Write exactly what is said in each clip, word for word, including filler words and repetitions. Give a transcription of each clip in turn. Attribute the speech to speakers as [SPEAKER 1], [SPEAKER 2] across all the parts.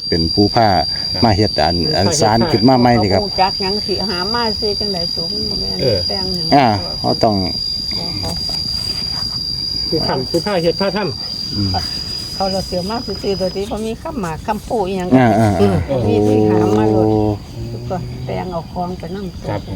[SPEAKER 1] เป็นผู้ผ้ามาเฮ็ดอันอันสารขึ้นมาใหม่นี่ครับ
[SPEAKER 2] จักหยังสิหามาซื้อจังได๋สูงแม่นแป้งหยัง
[SPEAKER 1] อ่าเขาต้อง
[SPEAKER 3] คือทำคือผ้าเฮ็ดผ้าท
[SPEAKER 2] เขาเราเสียมากซื้อตัวที่บ่มีคำหมากคำปูอีหยัง
[SPEAKER 1] อ่าอ่า
[SPEAKER 2] มีที่หามาโลด
[SPEAKER 1] โอ้
[SPEAKER 2] ก็แป้งเอาของไปนำ
[SPEAKER 3] ครับผม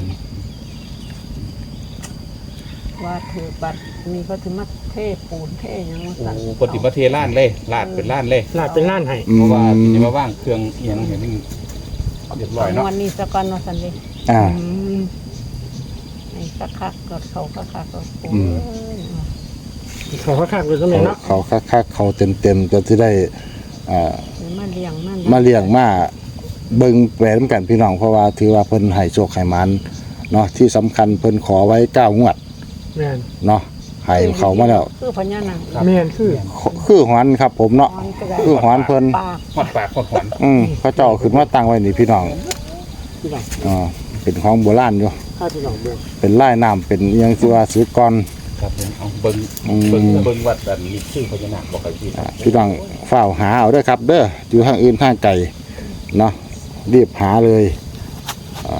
[SPEAKER 2] ว่าถือบัตรนี่ก็ถือมาเทปูนเทหยังมา
[SPEAKER 4] โอ้
[SPEAKER 2] สั่น
[SPEAKER 4] ปฏิบัติเทล้านเลยลาดเป็นล้านเลย
[SPEAKER 3] ลาดเป็นล้านให้
[SPEAKER 1] อื
[SPEAKER 4] เพราะว่า
[SPEAKER 1] ม
[SPEAKER 4] จะมาว่างเครื่องเอียงเห็นนี่เรียบร้อยเนาะ
[SPEAKER 2] วันนี้สักวันว่าซั่นดิ
[SPEAKER 1] อ่า
[SPEAKER 2] ให้คักๆกดเขาคักๆก็ปู
[SPEAKER 1] อืม
[SPEAKER 2] เอ้ย
[SPEAKER 3] เขาคักๆเลยก็แม่เนาะ
[SPEAKER 1] เขาคักๆเขาเต็มๆจนที่ได้อ่า
[SPEAKER 2] มาเลี้ยงมัน
[SPEAKER 1] มาเลี้ยงมาเบิ่งแปลนำกันพี่น้องเพราะว่าถือว่าเพิ่นให้โชคให้หมันเนาะที่สำคัญเพิ่นขอไว้เก้างวด
[SPEAKER 3] แม่น
[SPEAKER 1] เนาะให้เขามาแล้ว
[SPEAKER 2] คือพญานาค
[SPEAKER 3] แม่นคือ
[SPEAKER 1] คือหอนครับผมเนาะคือหอนเพิ่น
[SPEAKER 2] ปาก
[SPEAKER 4] หอดปากหอดหอน
[SPEAKER 1] อืมเขาเจ้าขึ้นมาตั้งไว้นี่พี่น้อง
[SPEAKER 3] พี่น้อง
[SPEAKER 1] อ่าเป็นของโบราณอยู่
[SPEAKER 3] ข้าพี่น้องเบิ่ง
[SPEAKER 1] เป็นลายน้ำเป็นอิหยังที่ว่าซื้อก่อน
[SPEAKER 4] ครับผมเอาเบิ้ง
[SPEAKER 1] อืม
[SPEAKER 4] เบิ้งเบิ้งวัดอันนี้ชื่อพญานาคบอกใครพี่
[SPEAKER 1] อ่าพี่น้องเฝ้าหาเอาเด้อครับ เด้ออยู่ทางอื่นทางไกลเนาะรีบหาเลยอ่า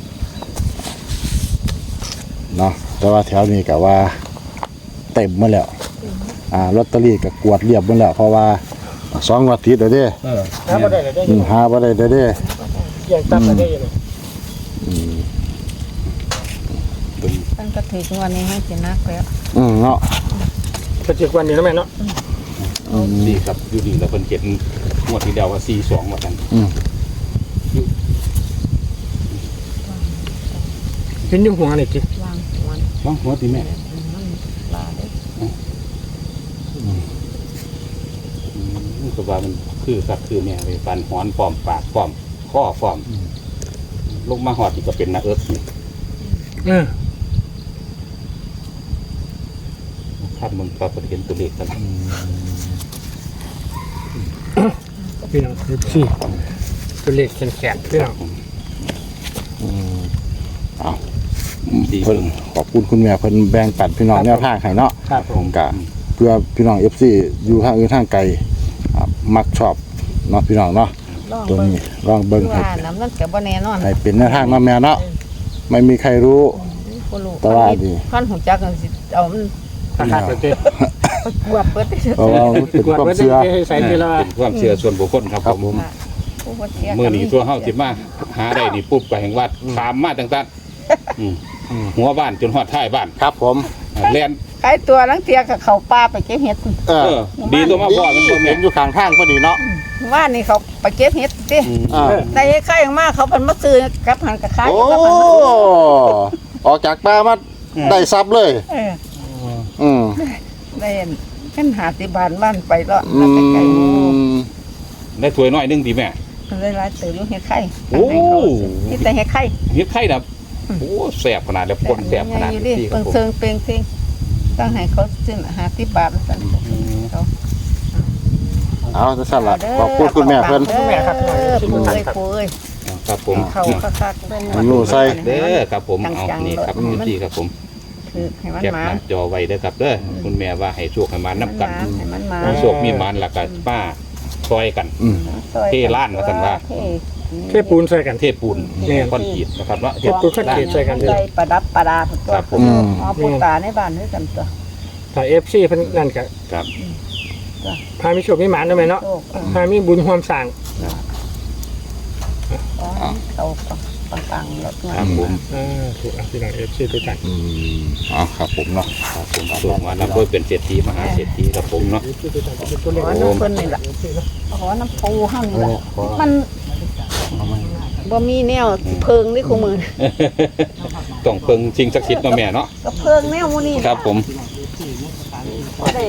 [SPEAKER 1] เนาะแต่ว่าแถวนี้ก็ว่าเต็มหมาแล้วอ่าลอตเตอรี่ก็กวดเรียบหมดแล้วเพราะว่าสองงวดติดแล้วเด้
[SPEAKER 4] เออ
[SPEAKER 3] หาบ่ได้เลยได้
[SPEAKER 1] อืมหาบ่ได้เด้อเด้
[SPEAKER 3] แย่งตับได้อยู่
[SPEAKER 1] อืม
[SPEAKER 2] ตั้งกระถือวันนี้ให้สินักแล้ว
[SPEAKER 1] อืมเนาะ
[SPEAKER 3] ก็เจ็ดวันนี้แล้วแม่เนาะ
[SPEAKER 4] ดีครับอยู่ดีแล้วเพิ่นเจ็ดงวดที่เดียวว่าสี่สองว่ากัน
[SPEAKER 1] อืม
[SPEAKER 3] เห็นอยู่หัวนี่จิ
[SPEAKER 2] วางหัว
[SPEAKER 4] ว่างหัวตีแม่
[SPEAKER 2] มันลาได้
[SPEAKER 4] อืมก็ว่ามันคือสักคือเนี่ยเลยฟันหอนปลอมปากปลอมข้อปลอมลงมาหอดที่ก็เป็นนาเอิร์ธนี่
[SPEAKER 3] เออ
[SPEAKER 4] คาดมึงปรากฏเห็นตัวเลขกัน
[SPEAKER 3] พี่น้องสี่ตัวเลขแข็งๆพี่น้อง
[SPEAKER 1] อืมเอา
[SPEAKER 4] ดี
[SPEAKER 1] เพิ่นขอบคุณคุณแม่เพิ่นแบ่งปันพี่น้องแนวทางให้เนาะ
[SPEAKER 3] ครับผ
[SPEAKER 1] ผม มกะเพื่อพี่น้อง เอฟ ซี อยู่ทางอื่นทางไกลอ่ามักชอบเนาะพี่น้องเนาะ
[SPEAKER 2] ลอง
[SPEAKER 1] ตัว
[SPEAKER 2] เบิ่ง
[SPEAKER 1] นี้ลองเบิ่งให้
[SPEAKER 2] ว่าน้ำมันก็บ่แน่นอน
[SPEAKER 1] ให้เป็นแนวทางเนาะแม่เนาะไม่มีใครรู้
[SPEAKER 2] บ่รู้
[SPEAKER 1] แต่ว่าดี
[SPEAKER 2] คันหูจักกันสิเอามัน
[SPEAKER 3] คักๆเลยจิ
[SPEAKER 2] กวบเบิดได้
[SPEAKER 1] เพราะว่ามันเป็น
[SPEAKER 3] กวด
[SPEAKER 1] ความ
[SPEAKER 3] ไว้ได้
[SPEAKER 1] เชื่อ
[SPEAKER 3] ใส่ทีละ
[SPEAKER 4] เป็นความเชื่อส่วนบุคคลครับ
[SPEAKER 1] ครับ
[SPEAKER 4] ผ
[SPEAKER 1] ผม ม
[SPEAKER 2] ผู้บ่เสีย
[SPEAKER 4] เมื่อนี้ตัวเฮาสิมาหาได้นี่ปุ๊บไปแห่งวัดถามมาต่างๆอืมหัวบ้านจนฮอดท้ายบ้าน
[SPEAKER 1] ครับผม
[SPEAKER 4] อ่าแล่น
[SPEAKER 2] ใครตัวลังเทียกับเขาป่าไปเก็บเห็ด
[SPEAKER 1] เอ
[SPEAKER 4] เอ
[SPEAKER 1] อ
[SPEAKER 4] อ ดีตัวมาพ่อมันบ่แม่
[SPEAKER 1] เห็นอยู่ข้างทางพอดีเนาะ
[SPEAKER 2] ว่านี่เขาไปเก็บเห็ดติ
[SPEAKER 4] อืม
[SPEAKER 1] อ่า
[SPEAKER 2] ได้ใครออกมาเขาเพิ่นมาซื้อกับหันกับขาย
[SPEAKER 1] โอ้
[SPEAKER 2] กับหันมาซื้อ
[SPEAKER 1] ออกจากป่ามาได้ซับเลย
[SPEAKER 2] เออ
[SPEAKER 1] อืม
[SPEAKER 2] ได้ขันหาสิบานบ้านไปแล้ว
[SPEAKER 1] อื
[SPEAKER 2] ไปไกล
[SPEAKER 1] ม
[SPEAKER 4] ได้ถ้วยน้อยหนึงดีแม่
[SPEAKER 2] ๆได้หลายตื่นลูกเห็ดไข่
[SPEAKER 4] โอ้
[SPEAKER 2] นี่แต่เห็ดไข่
[SPEAKER 4] เฮ็ดไข่ดับโอ้แซ่บขนาดแล้วคนแซ่บขนาด
[SPEAKER 2] อยู่
[SPEAKER 4] นี้
[SPEAKER 2] ดิ
[SPEAKER 4] ครั
[SPEAKER 2] เปิ
[SPEAKER 4] บ
[SPEAKER 2] ง
[SPEAKER 4] ผม
[SPEAKER 2] เซิงเปงซิงต้องให้เขาซื้อหาสิบบาทสั่นเขา
[SPEAKER 1] เอาจะสั่นละขอบคุณคุณแม่เพิ่น
[SPEAKER 2] เด้อปูเอ้ยปูเอ้ย
[SPEAKER 4] ครับผม
[SPEAKER 2] เขาคักๆเป็น
[SPEAKER 1] มันอยู่ใส่
[SPEAKER 4] เด้อครับผมเอานี่ครับดีครับผม
[SPEAKER 2] คือให้มัน
[SPEAKER 4] แคป
[SPEAKER 2] มา
[SPEAKER 4] หน้าจอไว้เด้อครับเด้อคุณแม่ว่าให้โชคให้มานับกัน
[SPEAKER 2] ให้มันมา
[SPEAKER 4] โชคมีมันแล้วก็ป้าซอยกัน
[SPEAKER 1] อืม
[SPEAKER 4] เทล้านว่าซั่นว่า
[SPEAKER 3] เทปูนใส่กัน
[SPEAKER 4] เทปูนคอนกรีตนะครับเนาะ
[SPEAKER 3] เทปูนคอนกรีต ใส่กันเด้อ
[SPEAKER 2] ใส่ประดับประดาตัว
[SPEAKER 4] ครับผม
[SPEAKER 2] อ๋อปูตาในบ้านด้วยกันตัว
[SPEAKER 3] ถ้า เอฟ ซี เพิ่นนั่นก็
[SPEAKER 4] ครับ
[SPEAKER 3] พามีโชคมีหมานได้ไหมเนาะ
[SPEAKER 2] โชค
[SPEAKER 3] พามีบุญความสร้าง
[SPEAKER 2] อ๋อเขาปังๆแล้ว
[SPEAKER 4] ครับผม
[SPEAKER 3] อ่าถูกอ่ะพี่น้อง เอฟ ซี ทุกท่าน
[SPEAKER 1] อืมอ๋อครับผมเนาะ
[SPEAKER 4] ครับผมส่งมานับด้วยเป็นเศรษฐีมหาเศรษฐีครับผมเนาะ
[SPEAKER 3] เอฟ ซี ทุกท่านเป็นตัวเล
[SPEAKER 2] ข
[SPEAKER 3] ข
[SPEAKER 2] อน้ำเพิ่นนี่แหละขอน้ำปูห้ามนี่แหละมันบ่มีแนวเพิงนี่คู่มือ
[SPEAKER 4] ต้องเพิ่งชิงศักดิ์สิทธิ์เนาะแม่เนาะ
[SPEAKER 2] ก็เพิงแนวหมูนี่
[SPEAKER 4] ครับผม
[SPEAKER 2] บ่ได้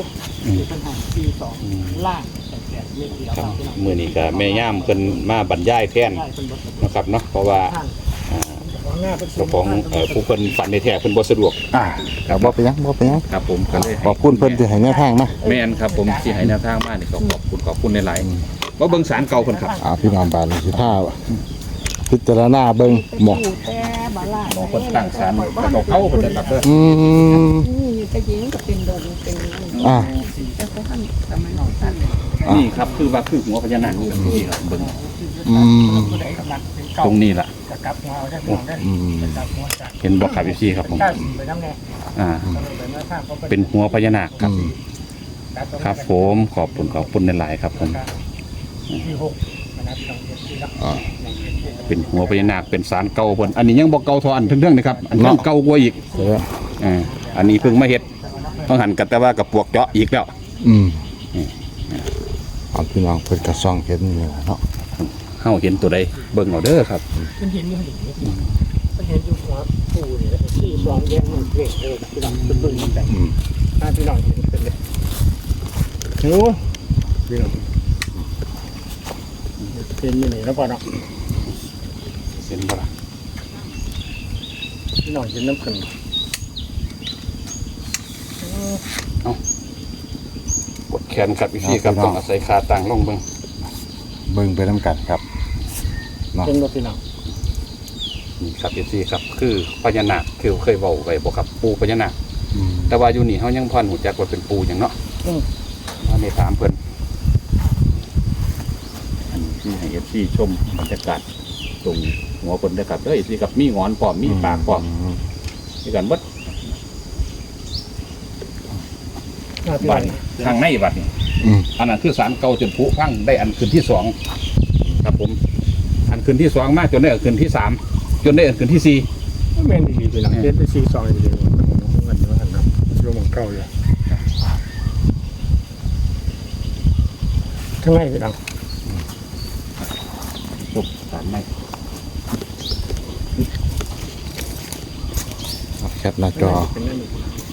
[SPEAKER 4] ครับมื้อนี้ก็แม่ย่ามเพิ่นมาบรรยายแทนนะครับเนาะเพราะว่าอ่าเจ้าของเอ่อผู้เพิ่นฝันในแท้เพิ่นบ่สะดวก
[SPEAKER 1] อ่าครับบ่ไปนหยังบ่ไปนหยัง
[SPEAKER 4] ครับผมก็เลย
[SPEAKER 1] ขอบคุณเพิ่นที่ให้แนวทางมา
[SPEAKER 4] แม่นครับผมที่ให้แนวทางมานี่ก็ขอบคุณขอบคุณหลายๆว่าเบิ่งสารเก่าเพิ่นครับ
[SPEAKER 1] อ่าพี่น้องบ้านสิท่าพิจารณาเบิ่งหมอ
[SPEAKER 2] แต่บ่ล่ะ
[SPEAKER 4] บ่เพิ่นตั้งสารเก่าๆเพิ่นนะครับเด้อ
[SPEAKER 1] อืม
[SPEAKER 2] นี่จะยิงก็เป็นดงเป็น
[SPEAKER 1] อ่า
[SPEAKER 2] แต่เขาทำสมัยนั้น
[SPEAKER 4] นี่ครับคือว่าคือหัวพญานาคนี่ครับเบิ่ง
[SPEAKER 1] อืม
[SPEAKER 4] ตรงนี้ล่ะ
[SPEAKER 3] จะกลับหัวเอาได้พี่น้องได้
[SPEAKER 1] อืม
[SPEAKER 3] จะกลับหัวจาก
[SPEAKER 4] เห็นบ่ครับพี่ซี่ครับผม
[SPEAKER 3] เก้าสี่ไปน้ำแน่
[SPEAKER 4] อ่า
[SPEAKER 3] ไปเมื่อข้ามเขา
[SPEAKER 4] เป็นหัวพญานาคครับ
[SPEAKER 1] อืม
[SPEAKER 4] ครับผมขอบคุณขอบคุณในหลายๆครับผม
[SPEAKER 3] ที่หกนะครับสองเจ็ดที่ละ
[SPEAKER 1] อ่า
[SPEAKER 4] เป็นหัวพญานาคเป็นสารเก่าเพิ่นอันนี้ยังบ่เก่าเทออันเรื่องนะครับอันนี้เก่ากว่าอีก
[SPEAKER 1] เดี๋ยว
[SPEAKER 4] อ่าอันนี้เพิ่งมาเฮ็ดต้องหันกันแต่ว่ากับปวกเจาะอีกแล้ว
[SPEAKER 1] อืมเอาพี่น้องเพิ่นกระซ่องเห็นนี่แหละเนาะ
[SPEAKER 4] เฮาเห็นตัวใดเบิ่งเอาเด้อครับ
[SPEAKER 3] มันเห็นอยู่ดิมันเห็นอยู่หัวปูนี่ที่สองแยกมันเกล็ดเออพี่น้องเป็นเบิ่งมันแต่
[SPEAKER 1] อืม
[SPEAKER 3] ถ้าพี่น้องเห็นเป็นเลยโอ้พี่น้องเป็นยังไงแล้วป่ะเนาะ
[SPEAKER 4] เห็นบ่ล่ะ
[SPEAKER 3] พี่น้องเห็นน้ำขึ้น
[SPEAKER 4] กดแขนครับพี่ซี่ครับต้องอาศัยขาตั้งลงเบิ่ง
[SPEAKER 1] เบิ่งไปนํกันครับ
[SPEAKER 3] เป็นรถพี่น้อง
[SPEAKER 4] นี่ครับพี่ซี่ครับคือพญานาคคือเคยเว้าไว้บ่ครับปูพญานาค
[SPEAKER 1] อืม
[SPEAKER 4] แต่ว่าอยู่นี่เฮายังพอหูจักว่าเป็นปูหยังเนาะ
[SPEAKER 3] อืม
[SPEAKER 4] ว่าในถามเพิ่นอันนี้ที่ให้ เอฟ ซี ชมบรรยากาศตรงหัวเพิ่นเด้อครับเด้อ เอฟ ซี ครับมีงอนพร้อมมีปากพร้อมมีกันเบิด
[SPEAKER 3] อ่าพี่
[SPEAKER 4] บั
[SPEAKER 3] น้อ
[SPEAKER 4] ด
[SPEAKER 3] ง
[SPEAKER 4] นี้ข้างในบัดนี้
[SPEAKER 1] อืม
[SPEAKER 4] อันนั้นคือสารเก่าจนผุพังได้อันคืนที่สองครับผม อันคืนที่สองมาจนได้อันคืนที่สามจนได้อันคืนที่สี่
[SPEAKER 3] แม่นดีๆพี่น้องเจ็ดไปสี่สองดีๆมันเงินว่าหันนะโยมเก่าอยู่ทั้งไงพี่น้อง
[SPEAKER 4] ปุ๊บสารใน
[SPEAKER 1] เอาแคปหน้าจอ
[SPEAKER 3] เป็นนั่นนี่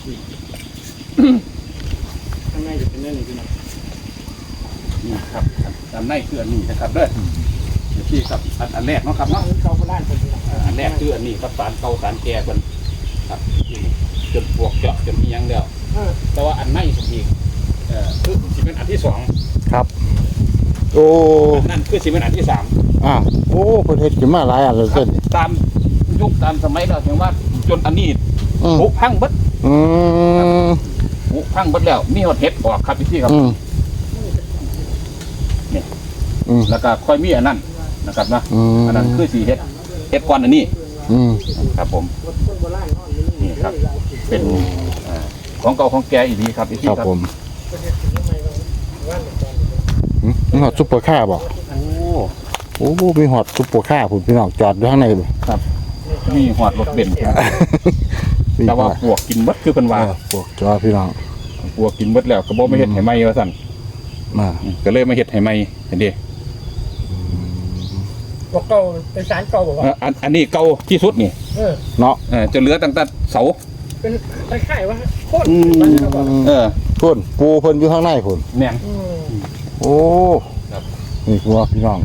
[SPEAKER 3] ทั้งไงจะเป็นนั่นนี่พี่น้อง
[SPEAKER 4] นี่ครับสารในคืออันนี้นะครับเด้อ เอฟ ซี ครับอันอันแรกเนาะครับเนาะ
[SPEAKER 3] เขาโบราณเป็นพี่น้อง
[SPEAKER 4] อันแรกคืออันนี้ครับสารเก่าสารแก่เพิ่นครับนี่จนปวกเจาะจนมีหยังแล้ว
[SPEAKER 3] เออ
[SPEAKER 4] แต่ว่าอันในสุดอีกเอ่อคือสิเป็นอันที่สอง
[SPEAKER 1] ครับ โอ้
[SPEAKER 4] อันนั่นคือสิเป็นอันที่สาม
[SPEAKER 1] อ่ะโอ้เพิ่นเฮ็ดขึ้นมาหลายอันเลย
[SPEAKER 4] ครั
[SPEAKER 1] เส้
[SPEAKER 4] บ
[SPEAKER 1] น
[SPEAKER 4] ตามยุคตามสมัยเราถึงว่าจนอันนี้
[SPEAKER 1] อืม
[SPEAKER 4] ผุพังเบิด
[SPEAKER 1] อืม
[SPEAKER 4] ผุพังเบิดแล้วมีหดเห็ดออกครับพี่ที่ครับ
[SPEAKER 1] อืม
[SPEAKER 4] นี่
[SPEAKER 1] อืม
[SPEAKER 4] แล้วก็ค่อยมีอันนั้นนะครับนะ
[SPEAKER 1] อืม
[SPEAKER 4] อันนั้นคือสีเห็ดเห็ดก้อนอันนี้
[SPEAKER 1] อืม
[SPEAKER 4] ครับผม
[SPEAKER 3] คนโบราณเขาอันนี้
[SPEAKER 4] นี่ครับ เป็นอ่าของเก่าของแก่อีกทีครับพี่ที่
[SPEAKER 1] ครับ
[SPEAKER 4] ครับ
[SPEAKER 1] ผม
[SPEAKER 3] ประเทศถึงทำไมเราว่านตอนนี้
[SPEAKER 1] อืมนี่ฮอดซุปเปอร์คาร์บ่
[SPEAKER 4] โอ้
[SPEAKER 1] โอ้มีฮอดซุปเปอร์คาร์พุ่นพี่น้องจอดอยู่ข้างในเลย
[SPEAKER 4] ครับมีหอดรถเบนซ์
[SPEAKER 1] มี
[SPEAKER 4] แต่ว่า
[SPEAKER 1] ฮอด
[SPEAKER 4] ปวกกินเบิดคือเป็นว่า
[SPEAKER 1] เออพวกจอพี่น้อง
[SPEAKER 4] ปวกกินเบิดแล้วก็บ่มาเฮ็ดให้ไหมว่าซั่น
[SPEAKER 1] มา
[SPEAKER 4] ก็เลยมาเฮ็ดให้ไหมเห็นดิ
[SPEAKER 3] บอกเก่าเป็นสารเก่าบอกว่า
[SPEAKER 4] เอ่ออันอันนี้เก่าที่สุดนี่
[SPEAKER 3] เออ
[SPEAKER 1] เนาะ
[SPEAKER 4] เออจะเหลือตั้งแต่เสา
[SPEAKER 3] เป็นคล้ายๆว่าโคตร
[SPEAKER 1] อืม
[SPEAKER 3] มันเขาบอก
[SPEAKER 4] เออ
[SPEAKER 1] พุ่นปูเพิ่นอยู่ข้างในพุ่น
[SPEAKER 4] แม่ง
[SPEAKER 3] อืม
[SPEAKER 1] โอ้
[SPEAKER 4] ครับ
[SPEAKER 1] นี่คือว่าพี่น้อง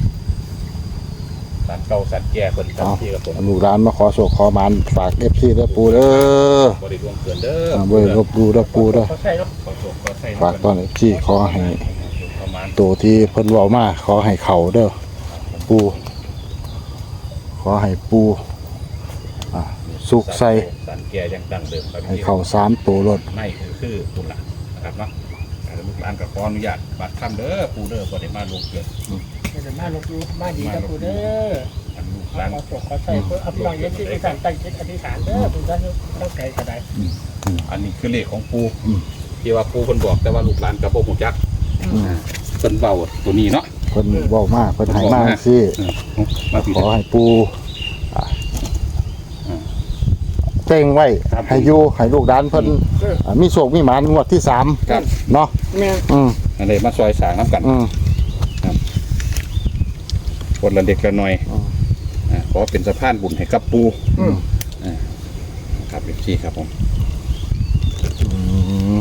[SPEAKER 4] สารเก่าสารแก่เพิ่นครับ
[SPEAKER 1] เอา
[SPEAKER 4] ที่ครับผม
[SPEAKER 1] ลูกร้านมาขอโชคขอหมานฝาก เอฟ ซี เด้อปูเด้อ
[SPEAKER 4] บ่ได้ดวงเกินเด้อ
[SPEAKER 1] อ่าบ่ได้ลบดูเด้อปูเด้อ
[SPEAKER 3] เขาใช่เนาะ
[SPEAKER 4] ขอโชคขอใส่
[SPEAKER 1] ฝากตอน เอฟ ซี ขอให้
[SPEAKER 4] ประมาณ
[SPEAKER 1] ตัวที่เพิ่นเว้ามาขอให้เข้าเด้อปูขอให้ปูอ่าสุขใส่
[SPEAKER 4] สารแก่ยังดังเดิมครับ
[SPEAKER 1] ให้เข้าสามตัวรถ
[SPEAKER 4] ในคือคือคุณล่ะนะครับเนาะแล้วลูกหลานก็ขออนุญาตบัดคำเด้อปู่เด้อบ่ได้มาลงเกิน
[SPEAKER 3] เดี๋ยวมาลงดูมาดีกับกูเด้อ
[SPEAKER 4] อันลูกห
[SPEAKER 3] ข
[SPEAKER 4] ลาน
[SPEAKER 3] อจบขอใส่เพื่อเอาพี่น้องเย็นที่ไปสั่งตั้งจิตอธิษฐานเด้อคุณท่านต้องไกลกระได
[SPEAKER 4] อันนี้คือเลขของปู่ที่ว่าปู่เพิ่นบอกแต่ว่าลูกหลานก็บ่ฮู้จัก
[SPEAKER 1] อืม
[SPEAKER 4] เพิ่นเว้าตัวนี้เนาะ
[SPEAKER 1] เพิ่นเว้ามาเพิ่นให้มาจังซี่
[SPEAKER 4] มาพี่
[SPEAKER 1] ขอให้ปูอ่าเจ้งไว้ให้อยู่ให้ลูกด้านเพิ่นอ่ามีโชคมีหมานงวดที่สาม
[SPEAKER 4] ครับ
[SPEAKER 1] เนาะ
[SPEAKER 3] แม่
[SPEAKER 1] อืม
[SPEAKER 4] อันนี้มาซอยสร้างนํกัน
[SPEAKER 1] อืม
[SPEAKER 4] คนละเด็กละน้อย
[SPEAKER 1] อืม
[SPEAKER 4] อ่าขอเป็นสะพานบุญให้กับปู่
[SPEAKER 3] อืม
[SPEAKER 4] ครับพี่ครับผม
[SPEAKER 1] อืม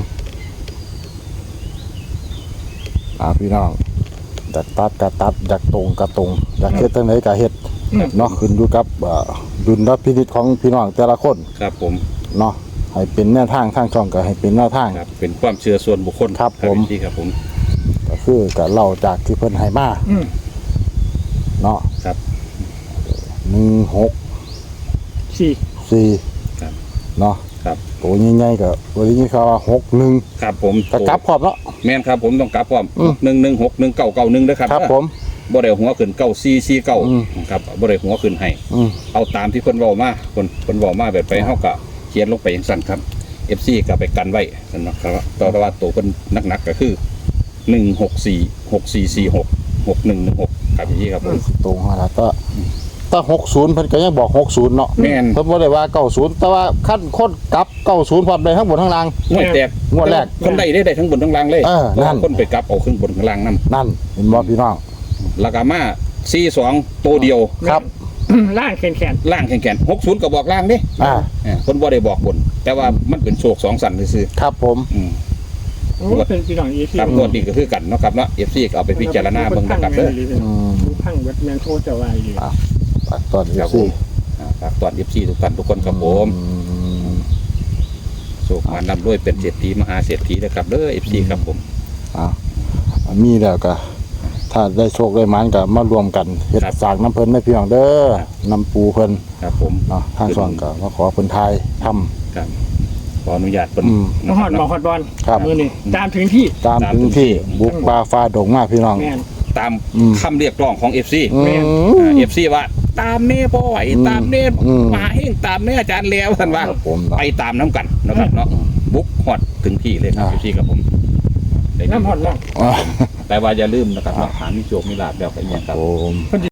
[SPEAKER 1] อ่าพี่น้องอยากตัดก็ตัดอยากตรงก็ตรงอยากเฮ็ดจังไดก็เฮ็ดเนาะขึ้นอยู่กับเอ่อดุลพินิจของพี่น้องแต่ละคน
[SPEAKER 4] ครับผม
[SPEAKER 1] เนาะให้เป็นแนวทางทางช่องก็ให้เป็นแนวทาง
[SPEAKER 4] ครับเป็นความเชื่อส่วนบุคคล
[SPEAKER 1] ครับผม
[SPEAKER 4] พี่ครับผม
[SPEAKER 1] ก็คือก็เล่าจากที่เพิ่นให้มา
[SPEAKER 3] อืม
[SPEAKER 1] เนาะ
[SPEAKER 4] ครับ
[SPEAKER 1] หนึ่งหก
[SPEAKER 3] สี่
[SPEAKER 1] สี่
[SPEAKER 4] ครับ
[SPEAKER 1] เนาะ
[SPEAKER 4] ครับ
[SPEAKER 1] ตัวใหญ่ๆก็วันนี้เขาว่าหกหนึ่ง
[SPEAKER 4] ครับผม
[SPEAKER 1] กระกลับพร้อมเนาะ
[SPEAKER 4] แม่นครับผมต้องกลับพร้อม
[SPEAKER 1] อืม
[SPEAKER 4] หนึ่งหนึ่งหกหนึ่งเก้าเก้าหนึ่งด้วยครับ
[SPEAKER 1] ครับผม
[SPEAKER 4] บ่ได้หัวขึ้นเก้าสี่สี่เก้า
[SPEAKER 1] อืม
[SPEAKER 4] ครับบ่ได้หัวขึ้นให้
[SPEAKER 1] อืม
[SPEAKER 4] เอาตามที่เพิ่นเว้ามาเพิ่นเพิ่นเว้ามาแบบไปเฮาก็เขียนลงไปอย่างสั้นครับ เอฟ ซี ก็ไปกันไว้นั่นนะครับต่อว่าตัวเพิ่นหนักๆก็คือหนึ่งหกสี่ หกสี่สี่หก หกหนึ่งหนึ่งหกครับอย่างนี้ครับผม
[SPEAKER 1] ตรงหัวละก็ถ้าหกศูนย์เพิ่นก็ยังบอกหกศูนย์เนาะ
[SPEAKER 4] แม่น
[SPEAKER 1] เพิ่นบ่ได้ว่าเก้าศูนย์แต่ว่าขั้นคนกลับเก้าศูนย์พร้อมได้ทั้งบนทั้งล่าง
[SPEAKER 4] งวดแตก
[SPEAKER 1] งวดแรก
[SPEAKER 4] คนได้ได้ได้ทั้งบนทั้งล่างเลย
[SPEAKER 1] เออนั่น
[SPEAKER 4] คนไปกลับเอาขึ้นบนข้างล่างนํ
[SPEAKER 1] นั่นเห็นบ่พี่น้อง
[SPEAKER 4] แล้วก็มาสี่สองตัวเดียว
[SPEAKER 1] ครับ
[SPEAKER 3] ล่างแขนแขน
[SPEAKER 4] ล่างแข็งๆหกศูนย์ก็บอกล่างเด้
[SPEAKER 1] อ่า
[SPEAKER 4] เออเพิ่นบ่ได้บอกบน แต่ว่ามันเป็นโชคสองสันซื่อ
[SPEAKER 1] ครับผม
[SPEAKER 4] ๆอืม
[SPEAKER 3] โอ้เป็นพี่น้องอีที่
[SPEAKER 4] ครับงวดนี้ก็คือกันเนาะครับเนาะ เอฟ ซี ก็เอาไปพิจารณาเบิ่งนะครับเด้อ
[SPEAKER 1] อืม
[SPEAKER 3] พังเวทแมนโทจะว่าอยู่
[SPEAKER 1] อ่ะฝากตอน
[SPEAKER 4] ครับ
[SPEAKER 1] สิ
[SPEAKER 4] ผมอ่าฝากตอน เอฟ ซี ทุกท่านทุกคนครับผม
[SPEAKER 1] อืม
[SPEAKER 4] โชคมานำด้วยเป็นเศรษฐีมหาเศรษฐีนะครับเด้อ เอฟ ซี ครับผม
[SPEAKER 1] อ่ะมีแล้วก็ถ้าได้โชคได้หมานก็มารวมกันเฮ็ด
[SPEAKER 4] ครับ
[SPEAKER 1] สร้างน้ำเพิ่นให้พี่น้องเด้อน้ำปูเพิ่น
[SPEAKER 4] ครับผม
[SPEAKER 1] เนาะทางช่องก็มาขอเพิ่นทายทำ
[SPEAKER 4] ครับขออนุญาตเพิ่น
[SPEAKER 1] อืม
[SPEAKER 3] มาหอดบอกหอดบอล
[SPEAKER 1] ครับ
[SPEAKER 3] มือนี่ตามถึงที่
[SPEAKER 1] ตามพื้นที่บุกป่าฟ้าดงมาพี่น้อง
[SPEAKER 3] แม่น
[SPEAKER 4] ตาม
[SPEAKER 1] อืม
[SPEAKER 4] คำเรียกร้องของ เอฟ ซี
[SPEAKER 1] อืม
[SPEAKER 4] อ่า เอฟ ซี ว่าตามแน่บ่ไหว
[SPEAKER 1] อืม
[SPEAKER 4] ตามแน่
[SPEAKER 1] อืม
[SPEAKER 4] มหาเฮงตามแน่อาจารย์แล้วท่านว่า
[SPEAKER 1] ครับผมเนาะ
[SPEAKER 4] ไปตามน้ำกันนะครับเนาะบุกฮอดถึงที่เลยครับ
[SPEAKER 1] อ่า
[SPEAKER 4] เอฟ ซี ครับผมได้
[SPEAKER 3] น้ำหอดล่อง
[SPEAKER 1] อ่ะ
[SPEAKER 4] แต่ว่าอย่าลืมนะครับเนาะหามีโชคมีลาภแล้วก็อหย่างครับ
[SPEAKER 1] ผม